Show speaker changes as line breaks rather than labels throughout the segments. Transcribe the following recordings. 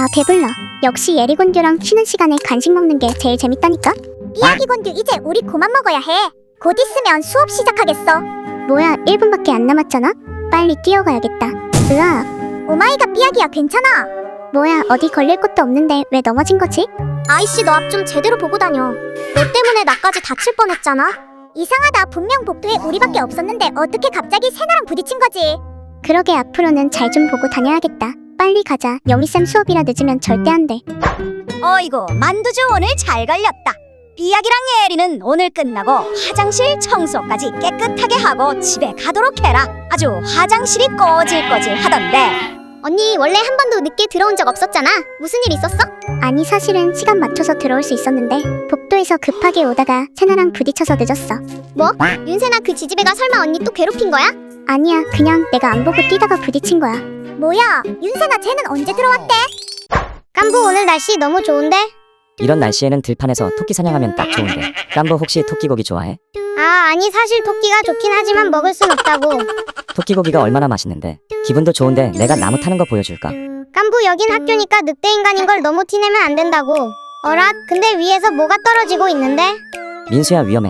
아 배불러. 역시 예리곤듀랑 쉬는 시간에 간식 먹는 게 제일 재밌다니까?
삐약이곤듀 이제 우리 그만 먹어야 해. 곧 있으면 수업 시작하겠어.
뭐야 1분밖에 안 남았잖아? 빨리 뛰어가야겠다. 으아.
오마이갓 삐약이야 괜찮아?
뭐야 어디 걸릴 것도 없는데 왜 넘어진 거지?
아이씨 너 앞 좀 제대로 보고 다녀. 너 때문에 나까지 다칠 뻔했잖아. 이상하다. 분명 복도에 우리밖에 없었는데 어떻게 갑자기 세나랑 부딪힌 거지?
그러게 앞으로는 잘 좀 보고 다녀야겠다. 빨리 가자. 영희쌤 수업이라 늦으면 절대 안 돼.
어이구 만두주 오늘 잘 걸렸다. 삐약이랑 예리는 오늘 끝나고 화장실 청소까지 깨끗하게 하고 집에 가도록 해라. 아주 화장실이 꼬질꼬질 하던데.
언니 원래 한 번도 늦게 들어온 적 없었잖아. 무슨 일 있었어?
아니 사실은 시간 맞춰서 들어올 수 있었는데 복도에서 급하게 오다가 세나랑 부딪혀서 늦었어.
뭐? 윤세나 그 지지배가 설마 언니 또 괴롭힌 거야?
아니야 그냥 내가 안 보고 뛰다가 부딪힌 거야.
뭐야 윤세나 쟤는 언제 들어왔대?
깐부 오늘 날씨 너무 좋은데?
이런 날씨에는 들판에서 토끼 사냥하면 딱 좋은데. 깐부 혹시 토끼고기 좋아해?
아 아니 사실 토끼가 좋긴 하지만 먹을 순 없다고.
토끼고기가 얼마나 맛있는데. 기분도 좋은데 내가 나무 타는 거 보여줄까?
깐부 여긴 학교니까 늑대 인간인 걸 너무 티내면 안 된다고. 어라 근데 위에서 뭐가 떨어지고 있는데?
민수야 위험해.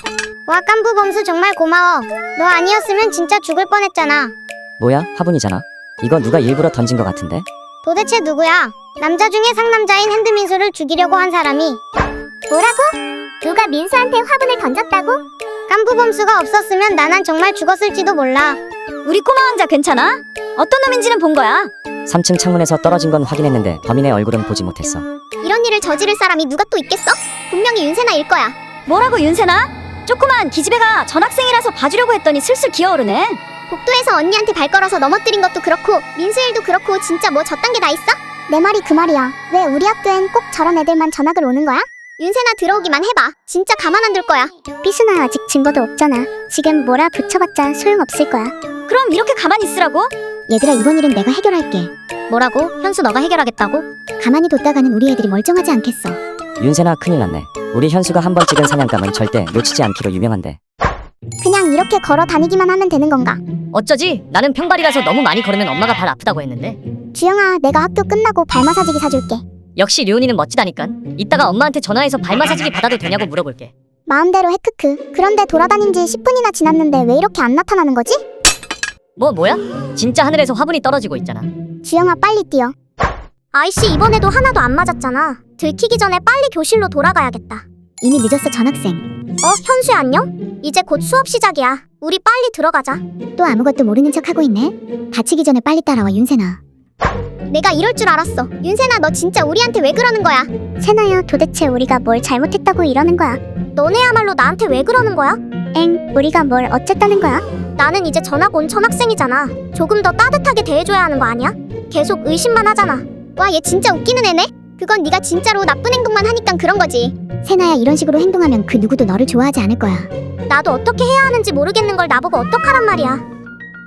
와 깐부 범수 정말 고마워. 너 아니었으면 진짜 죽을 뻔했잖아.
뭐야 화분이잖아. 이거 누가 일부러 던진 거 같은데?
도대체 누구야? 남자 중에 상남자인 핸드민수를 죽이려고 한 사람이.
뭐라고? 누가 민수한테 화분을 던졌다고?
깐부 범수가 없었으면 나난 정말 죽었을지도 몰라.
우리 꼬마 왕자 괜찮아? 어떤 놈인지는 본 거야.
3층 창문에서 떨어진 건 확인했는데 범인의 얼굴은 보지 못했어.
이런 일을 저지를 사람이 누가 또 있겠어? 분명히 윤세나일 거야.
뭐라고 윤세나? 조그만 기집애가 전학생이라서 봐주려고 했더니 슬슬 기어오르네.
복도에서 언니한테 발 걸어서 넘어뜨린 것도 그렇고 민수 일도 그렇고 진짜 뭐 저딴 게 다 있어?
내 말이 그 말이야. 왜 우리 학교엔 꼭 저런 애들만 전학을 오는 거야?
윤세나 들어오기만 해봐. 진짜 가만 안 둘 거야.
삐순아 아직 증거도 없잖아. 지금 뭐라 붙여봤자 소용없을 거야.
그럼 이렇게 가만히 있으라고?
얘들아 이번 일은 내가 해결할게.
뭐라고? 현수 너가 해결하겠다고?
가만히 뒀다가는 우리 애들이 멀쩡하지 않겠어.
윤세나 큰일 났네. 우리 현수가 한 번 찍은 사냥감은 절대 놓치지 않기로 유명한데.
그냥 이렇게 걸어 다니기만 하면 되는 건가?
어쩌지? 나는 평발이라서 너무 많이 걸으면 엄마가 발 아프다고 했는데.
주영아 내가 학교 끝나고 발 마사지기 사줄게.
역시 류은이는 멋지다니깐. 이따가 엄마한테 전화해서 발 마사지기 받아도 되냐고 물어볼게.
마음대로 해 크크. 그런데 돌아다닌 지 10분이나 지났는데 왜 이렇게 안 나타나는 거지?
뭐야? 진짜 하늘에서 화분이 떨어지고 있잖아.
주영아 빨리 뛰어.
아이씨 이번에도 하나도 안 맞았잖아. 들키기 전에 빨리 교실로 돌아가야겠다.
이미 늦었어 전학생.
현수야 안녕? 이제 곧 수업 시작이야. 우리 빨리 들어가자.
또 아무것도 모르는 척하고 있네. 다치기 전에 빨리 따라와 윤세나.
내가 이럴 줄 알았어. 윤세나 너 진짜 우리한테 왜 그러는 거야?
세나야 도대체 우리가 뭘 잘못했다고 이러는 거야?
너네야말로 나한테 왜 그러는 거야?
엥 우리가 뭘 어쨌다는 거야?
나는 이제 전학 온 전학생이잖아. 조금 더 따뜻하게 대해줘야 하는 거 아니야? 계속 의심만 하잖아. 와 얘 진짜 웃기는 애네? 그건 네가 진짜로 나쁜 행동만 하니까 그런 거지.
세나야 이런 식으로 행동하면 그 누구도 너를 좋아하지 않을 거야.
나도 어떻게 해야 하는지 모르겠는 걸 나보고 어떡하란 말이야.